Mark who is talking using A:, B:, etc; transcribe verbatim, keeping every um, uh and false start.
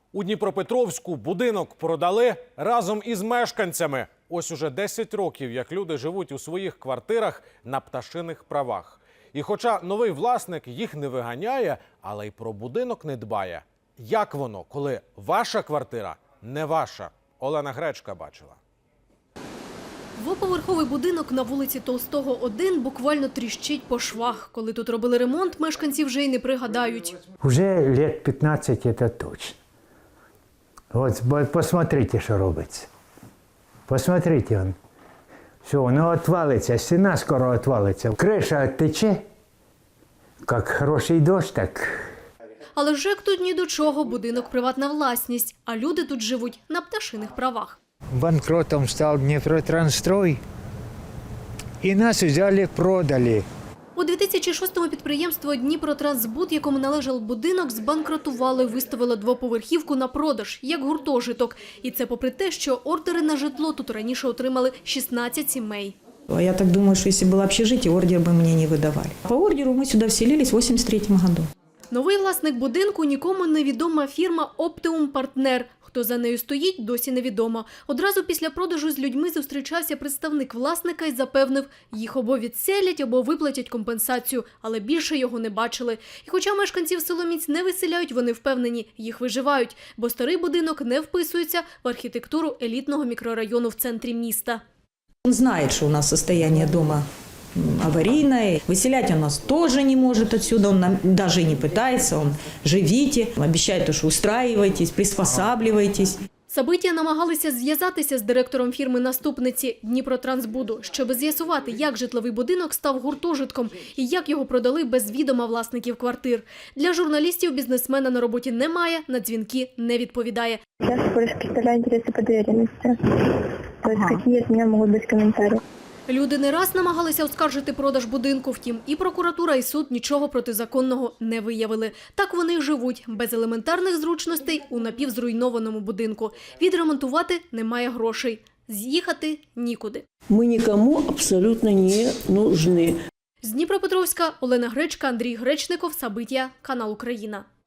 A: У Дніпропетровську будинок продали разом із мешканцями. Ось уже десять років, як люди живуть у своїх квартирах на пташиних правах. І хоча новий власник їх не виганяє, але й про будинок не дбає. Як воно, коли ваша квартира не ваша? Олена Гречка бачила.
B: Двоповерховий будинок на вулиці Толстого, один буквально тріщить по швах. Коли тут робили ремонт, мешканці вже й не пригадають.
C: Уже лет пятнадцать это точно. Вот посмотрите, что робиться. Посмотрите, он. Все, воно отвалится, стена скоро отвалится. Крыша оттече, как хороший дождь, так...
B: Але ЖЕК тут ні до чого, будинок – приватна власність, а люди тут живуть на пташиних правах.
C: Банкротом стал Днепротранстрой, и нас взяли, продали.
B: У дві тисячі шостому підприємство «Дніпротрансбуд», якому належав будинок, збанкрутувало і виставило двоповерхівку на продаж, як гуртожиток. І це попри те, що ордери на житло тут раніше отримали шістнадцять сімей.
D: Я так думаю, что если было общежитие, ордер бы мне не выдавали. По ордеру мы сюда вселились в восемьдесят третьем году.
B: Новий власник будинку – нікому невідома фірма «Оптимум Партнер». Хто за нею стоїть, досі невідомо. Одразу після продажу з людьми зустрічався представник власника і запевнив, їх або відселять, або виплатять компенсацію, але більше його не бачили. І хоча мешканців Соломіць не виселяють, вони впевнені, їх виживають, бо старий будинок не вписується в архітектуру елітного мікрорайону в центрі міста.
D: Он знает, что у нас состояние дома аварийное. Выселять он нас тоже не может отсюда, он нам даже не пытается, он живите, обещает, что устраивайтесь, приспосабливайтесь.
B: Сабитія намагалися зв'язатися з директором фірми-наступниці Дніпротрансбуду, щоб з'ясувати, як житловий будинок став гуртожитком і як його продали без відома власників квартир. Для журналістів бізнесмена на роботі немає, на дзвінки не відповідає.
E: Я всего лишь представляю интересы по доверенности. То есть какие от меня могут быть комментарии.
B: Люди не раз намагалися оскаржити продаж будинку, втім і прокуратура, і суд нічого протизаконного не виявили. Так вони й живуть, без елементарних зручностей у напівзруйнованому будинку. Відремонтувати немає грошей, з'їхати нікуди.
F: Мы никому абсолютно не нужны.
B: З Дніпропетровська Олена Гречка, Андрій Гречников, Сабитія, канал Україна.